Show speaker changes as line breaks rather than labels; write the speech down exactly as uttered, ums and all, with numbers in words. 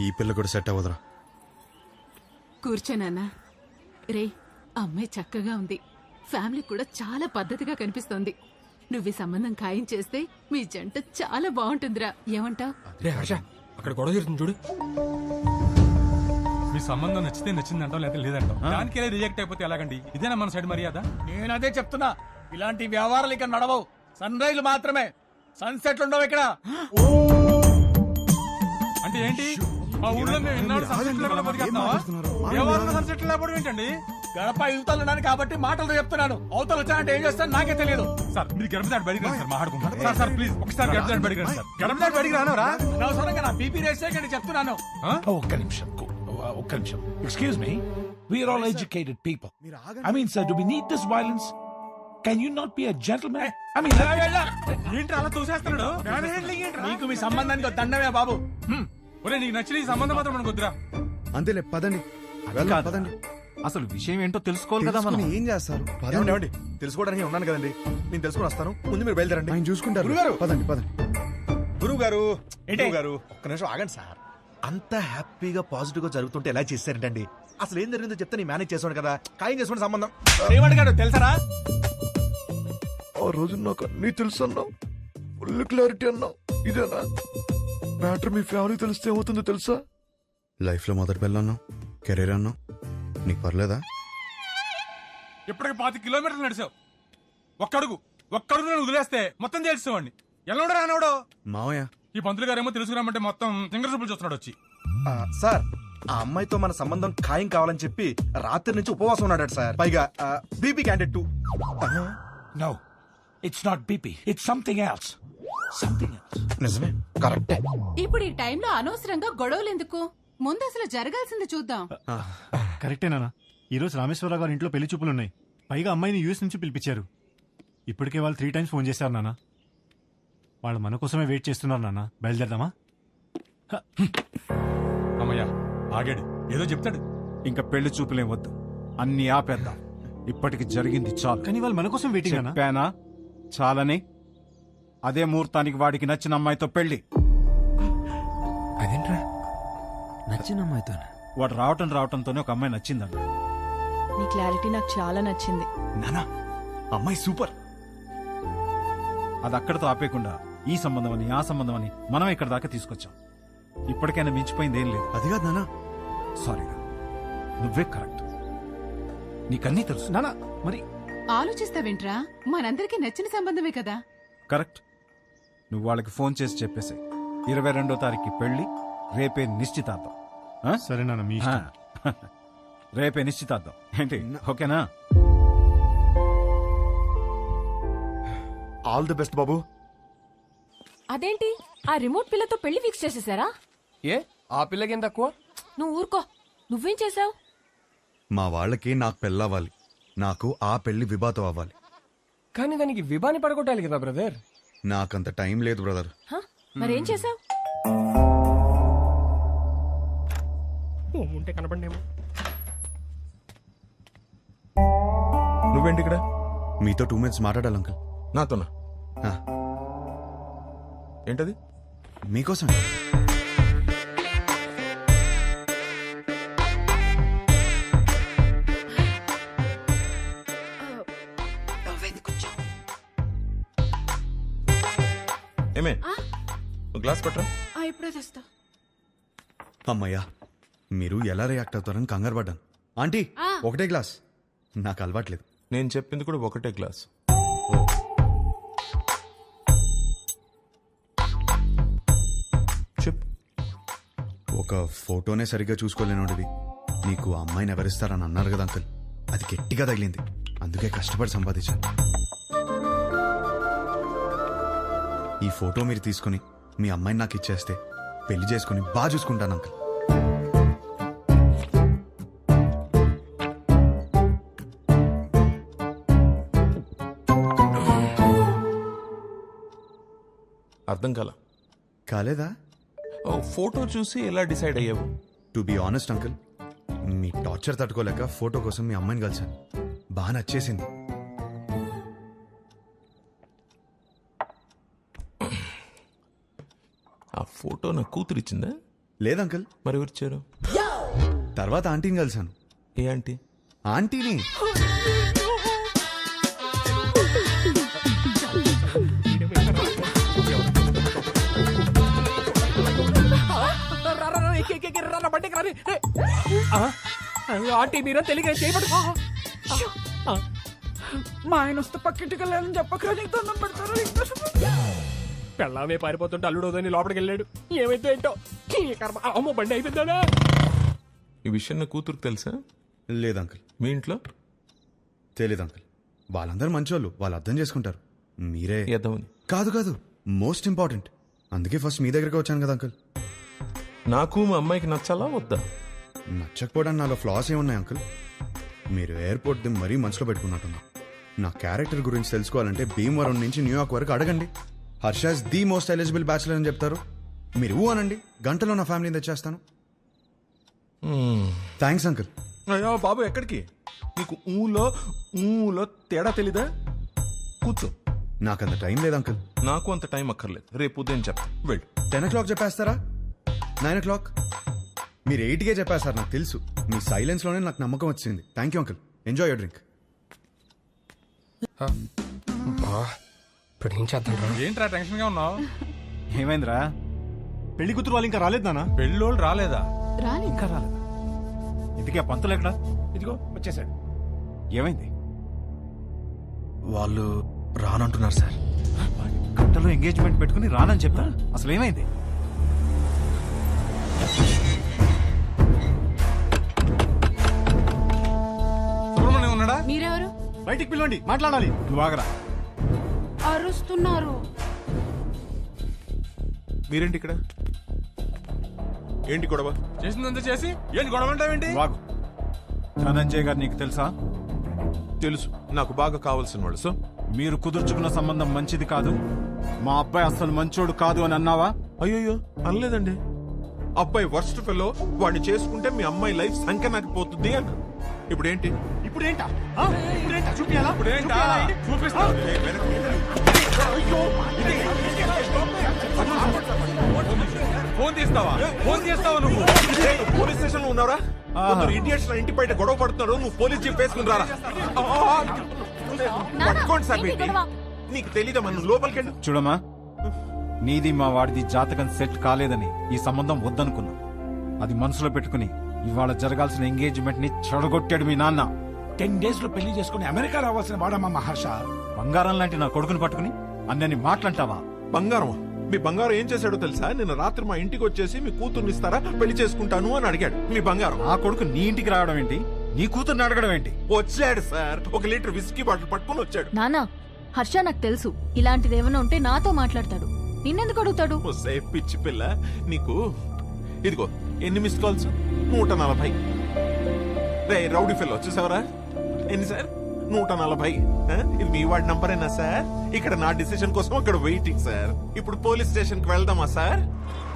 పిల్ల కూడా సెట్ అవ్వదురా.
కూర్చోనన్నా. రే, అమ్మాయి చక్కగా ఉంది, ఫ్యామిలీ కూడా చాలా పద్ధతిగా కనిపిస్తోంది. నువ్వు ఈ సంబంధం ఖాయం చేస్తే మీ జంట చాలా బాగుంటుందిరా. ఏమంటావ్?
అక్కడ గొడవ జరుగుతుంది చూడు. మీ సంబంధం నచ్చితే నచ్చిందంటాం, లేదా లేదంటాం. దానికే రిజెక్ట్ అయిపోతే ఎలాగండి? ఇదేనా మన సైడ్ మర్యాద?
నేను అదే చెప్తున్నా, ఇలాంటి వ్యవహారాలు ఇక్కడ నడవవు. సన్ రైజ్ మాత్రమే, సన్సెట్లు ఉండవు ఇక్కడ.
అంటే ఏంటి? మా ఊళ్ళో మేము ఎన్నాడు సన్సెట్లు లేకుండా బతికేస్తున్నావా? ఎవరు సన్సెట్లు లేకపోవడం ఏంటండి?
గడప యువతలు ఉన్నాను కాబట్టి మాటలతో చెప్తున్నాను. అవతలు వచ్చానంటే ఏం చేస్తాను నాకే తెలియదు.
సార్ మీరు గడప దాటి బడికి రండి సార్, మాట్లాడుకుంటాం. సార్ సార్ ప్లీజ్ ఒకసారి గడప దాటి బడికి రండి సార్. గడప దాటి బడికి రానవరా?
అనవసరంగా నా బీపీ రేస్ చేయకండి చెప్తున్నాను.
ఒక్క నిమిషం ఒక్క నిమిషం excuse me, we are all educated people. I mean sir, do we need this violence? Can you not be a gentleman? I mean
ఏంటి అలా చూసేస్తున్నాడు?
నీకు మీ సంబంధానికి దండమే బాబు.
ఒరే నీకు నచ్చిన ఈ సంబంధం మాత్రం మనకు వద్దురా.
అంతేలే, పదండి వెళ్దాం, పదండి.
అసలు విషయం ఏంటో తెలుసుకోవాలి కదా మనం.
ఏం చేస్తారు?
పదండి. తెలుసుకోవడానికి ఉన్నాను కదండి, నేను తెలుసుకుని వస్తాను. ముందు మీరు బయలుదేరండి.
ఆయన చూసుకుంటారు.
గురుగారు,
పదండి పదండి.
గురువు గారు గురువు గారు ఒక్క నిమిషం ఆగండి సార్. అంత హ్యాపీగా పాజిటివ్ గా జరుగుతుంటే ఎలా చేశారంటండి? అసలు ఏం జరిగిందో చెప్తే నేను మేనేజ్ చేసాను కదా. ఖాయం చేసుకునే సంబంధం.
ఏమడిగాడు తెలుసరా?
ఆ రోజు నాకు అన్ని తెలుసు అన్నావు, ఫుల్ క్లారిటీ అన్నావు. ఇదేనా మ్యాటర్? మీ ఫ్యామిలీ తెలిస్తే ఏమవుతుందో తెలుసా?
లైఫ్ లో మొదటి పిల్ల అన్నావు, కెరీర్ అన్నావు, నీకు పర్లేదా?
ఇప్పటికి పాతి కిలోమీటర్లు నడిచావు. ఒక్కడుగు ఒక్కడుగు నేను వదిలేస్తే మొత్తం తెలుసుకోండి. ఎలా ఉండరా అన్నాడు
మావయ్య.
ఈ పంతులు గారేమో తెలుసుకురామంటే మొత్తం సింగర్ చూపులు చూస్తున్నాడు వచ్చి.
ఆ, సార్ ఆ అమ్మాయితో మన సంబంధం ఖాయం కావాలని చెప్పి రాత్రి నుంచి ఉపవాసం ఉన్నాడు సార్. పైగా BP candidate too.
No, it's not BP, it's something else. Something else.
నిజమే, కరెక్టే.
ఇప్పుడు ఈ టైంలో అనవసరంగా గొడవలు ఎందుకు? ముందు అసలు జరగాల్సింది చూద్దాం.
కరెక్టేనా? ఈ రోజు రామేశ్వరరావు గారి ఇంట్లో పెళ్లి చూపులు ఉన్నాయి. పైగా అమ్మాయిని యూఎస్ నుంచి పిలిపించారు. ఇప్పటికే వాళ్ళు త్రీ టైమ్స్ ఫోన్ చేశారు నాన్న. వాళ్ళు మన కోసమే వెయిట్ చేస్తున్నారు నాన్న. బయలుదేరదామా?
అమ్మయ్యా ఆగాడు, ఏదో చెప్తాడు.
ఇంకా పెళ్లి చూపులేం వద్దు, అన్ని ఆపేద్దాం. ఇప్పటికి జరిగింది చాలు.
కానీ వాళ్ళు మన కోసం వెయిటింగ్ అన్నా.
చెప్పానా చాలని? అదే ముహూర్తానికి వాడికి నచ్చిన అమ్మాయితో పెళ్లి.
అదేంట్రా నచ్చిన అమ్మాయితో?
వాడు రావటం రావటంతోనే ఒక అమ్మాయి నచ్చిందన్న.
నీ క్లారిటీ నాకు చాలా నచ్చింది
నానా. అమ్మాయి సూపర్.
అది అక్కడతో ఆపేయకుండా ఈ సంబంధం అని ఆ సంబంధం అని మనం ఇక్కడ దాకా తీసుకొచ్చాం. ఇప్పటికైనా మించిపోయింది ఏం లేదు.
అది కాదు నానా.
సారీరా, నువ్వే కరెక్ట్. నీకన్నీ తెలుసు
నానా. మరి
ఆలోచిస్తావేంట్రా? మనందరికీ నచ్చిన సంబంధమే కదా.
కరెక్ట్. నువ్వు వాళ్ళకి ఫోన్ చేసి చెప్పేసి ఇరవై రెండో తారీఖు పెళ్లి, రేపే నిశ్చితార్థం. ఆ?
సరే నాన్న, మీ ఇష్టం.
రేపే నిశ్చితార్థం ఏంటి? ఓకేనా?
ఆల్ ది బెస్ట్ బాబు.
అదేంటి ఆ రిమోట్ పిల్లతో పెళ్లి ఫిక్స్ చేసేసారా?
ఏ ఆ పిల్లకేం తక్కువ?
నువ్వు ఊరుకో. నువ్వేం చేసావు?
మా వాళ్ళకి నాకు పెళ్ళవ్వాలి, నాకు ఆ పెళ్లి విభాతం అవ్వాలి.
కానీ దానికి విభాని పడగొట్టాలి కదా బ్రదర్.
నాకంత టైం లేదు బ్రదర్.
మరేం చేసావు?
ఉంటే కనపడేమో.
నువ్వేంటి ఇక్కడ?
మీతో టూ మినిట్స్ మాట్లాడాలి అంకుల్.
నాతోనా?
ఆ,
ఏంటది?
మీకోసం.
ఏమే గ్లాస్ పట్టరా.
ఇప్పుడే తెస్తా.
అమ్మయ్యా, మీరు ఎలా రియాక్ట్ అవుతారని కంగారు పడ్డాను. ఆంటీ, ఒకటే గ్లాస్. నాకు అలవాట్లేదు.
నేను చెప్పింది కూడా ఒకటే గ్లాస్. చెప్పు.
ఒక ఫోటోనే సరిగ్గా చూసుకోలేనోడివి నీకు అమ్మాయిని ఎవరిస్తారని అన్నారు కదా అంకుల్. అది గట్టిగా తగిలింది, అందుకే కష్టపడి సంపాదించాను. ఈ ఫోటో మీరు తీసుకుని మీ అమ్మాయిని నాకు ఇచ్చేస్తే పెళ్లి చేసుకుని బాగా చూసుకుంటాను అంకుల్.
అర్థం కాల.
కాలేదా?
ఫోటో చూసి ఎలా డిసైడ్ అయ్యావు?
టు బి ఆనెస్ట్ అంకుల్, మీ టార్చర్ తట్టుకోలేక ఫోటో కోసం మీ అమ్మాయిని కలిసాను. బాగా నచ్చేసింది.
ఆ ఫోటో నా కూతురు ఇచ్చిందా?
లేదు అంకుల్.
మరి ఎవరిచ్చారు?
తర్వాత ఆంటీని కలిసాను.
ఏ ఆంటీ?
ఆంటీని.
ఆంటీ మీరే తెలియక చేయబడు. మా ఆయన వస్తే పక్కింటికి వెళ్ళాలని చెప్పకరా, నీకు దండం పెడతారు. పెళ్ళామే పారిపోతుంటే అల్లుడోదని లోపలికి వెళ్ళాడు. ఏమైతే ఏంటో ఈ కర్మ. అమ్మో బండి అయిపోయిందా?
ఈ విషయం నా కూతురుకు తెలుసా?
లేదు అంకుల్.
మీ ఇంట్లో?
తెలీదు అంకుల్. వాళ్ళందరూ మంచోళ్ళు, వాళ్ళు అర్థం చేసుకుంటారు. మీరే
ఎదవని.
కాదు కాదు, మోస్ట్ ఇంపార్టెంట్. అందుకే ఫస్ట్ మీ దగ్గరికి వచ్చాను కదా అంకుల్.
నాకు మా అమ్మాయికి నచ్చాలా వద్దా?
నచ్చకపోవడానికి నాలో ఫ్లాస్ ఏమున్నాయి అంకుల్? మీరు ఎయిర్పోర్ట్ ది మరీ మనసులో పెట్టుకున్నట్టున్నా. నా క్యారెక్టర్ గురించి తెలుసుకోవాలంటే భీమవరం నుంచి న్యూయార్క్ వరకు అడగండి. Harsha's the most eligible bachelor అని చెప్తారు. మీరు ఊ అనండి, గంటలో నా ఫ్యామిలీని తెచ్చేస్తాను. Thanks uncle.
అయ్యో బాబు, ఎక్కడికి? నీకు ఊలో ఊలో తేడా తెలీదా? కూర్చో.
నాకంత టైం లేదు అంకుల్.
నాకు అంత టైం అక్కర్లేదు, రేపు ఉదయం చెప్తా. వెళ్ళు.
టెన్ ఓ క్లాక్ చెప్పేస్తారా? Nine o'clock? మీరు ఎయిట్కే చెప్పేస్తారు, నాకు తెలుసు. మీ సైలెన్స్ లోనే నాకు నమ్మకం వచ్చింది. Thank you uncle. Enjoy your drink.
ఇప్పుడు ఏం చేద్దాం? ఏంట్రా టెన్షన్ గా ఉన్నావు?
ఏమైందిరా? పెళ్లి కూతురు వాళ్ళు ఇంకా రాలేదు నాన్న.
పెళ్ళోళ్ళు రాలేదా?
రాని
ఇంకా రాలేదా? ఇంతకీ ఆ పంతులు ఎక్కడా?
ఇదిగో వచ్చేసాడు.
ఏమైంది?
వాళ్ళు రానంటున్నారు సార్.
గంటలో ఎంగేజ్మెంట్ పెట్టుకుని రానని చెప్తా. అసలు ఏమైంది?
సుబ్రహ్మణ్యం ఉన్నాడా?
మీరెవరు?
బయటికి పిలవండి, మాట్లాడాలి. నువ్వు ఆగరా.
అరుస్తున్నారు.
మీరేంటి ఇక్కడ? ఏంటి గొడవ?
చేసిందంతా చేసి ఏంటి గొడవ అంటావేంటి?
నువ్వు ఆగు. ధనంజయ్ గారు నీకు తెలుసా?
తెలుసు, నాకు బాగా కావాల్సిన వాళ్ళు. సో
మీరు కుదుర్చుకున్న సంబంధం మంచిది కాదు, మా అబ్బాయి అసలు మంచోడు కాదు అని అన్నావా?
అయ్యో అనలేదండి. అబ్బాయి వర్స్ట్ ఫెలో, వాడిని చేసుకుంటే మీ అమ్మాయి లైఫ్ సంఖ్య పోతుంది అన్న. ఇప్పుడు ఏంటి?
ఇప్పుడు ఏంటా? ఆ? ఇప్పుడు ఏంటా? చూపియాలా?
ఇప్పుడు ఏంటా? చూపిస్తా. ఫోన్ తీస్తావా? ఫోన్ చేస్తావా నువ్వు?
పోలీస్ స్టేషన్ లో ఉన్నారా? ఇండియన్స్ ఇంటి బయట గొడవ పడుతున్నారు, నువ్వు పోలీస్ జీప్ వేసుకుని రారా. పట్టుకోండి సార్. ఏంటి నీకు తెలీదా? మనం లోపలికి వెళ్ళి
చూడమ్మా, నీది మా వాడిది జాతకం సెట్ కాలేదని ఈ సంబంధం వద్దనుకున్నా. అది మనసులో పెట్టుకుని ఇవాళ జరగాల్సిన ఎంగేజ్మెంట్ ని చెడగొట్టాడు మీ నాన్న.
టెన్ డేస్ లో పెళ్లి చేసుకుని అమెరికా రావాల్సిన వాడమ్మా మహర్ష.
బంగారం లాంటి నా కొడుకుని పట్టుకుని అన్నని మాట్లాంటావా?
బంగారం? మీ బంగారం ఏం చేశాడో తెలుసా? నిన్న రాత్రి మా ఇంటికి వచ్చేసి మీ కూతుర్ని ఇస్తారా, పెళ్లి చేసుకుంటాను అని అడిగాడు. మీ బంగారం.
ఆ కొడుకు నీ ఇంటికి రావడం ఏంటి? నీ కూతుర్ని అడగడం ఏంటి?
వచ్చాడు సార్, ఒక లీటర్ విస్కీ బాటిల్ పట్టుకుని వచ్చాడు.
నానా, హర్ష నాకు తెలుసు ఇలాంటిది ఏమైనా ఉంటే నాతో మాట్లాడతాడు, నిన్నెందుకు అడుగుతాడు?
ఓసే పిచ్చి పిల్ల, నీకు ఇదిగో ఎన్ని మిస్ కాల్స్? నూట నలభై. రే రౌడీ ఫెల్లో చూసావరా? ఎన్ని సార్? నూట నలభై. ఇది మీ వాడి నంబరేనా సార్? ఇక్కడ నా డిసిషన్ కోసం అక్కడ వెయిటింగ్ సార్. ఇప్పుడు పోలీస్ స్టేషన్ కి వెళ్దామా సార్?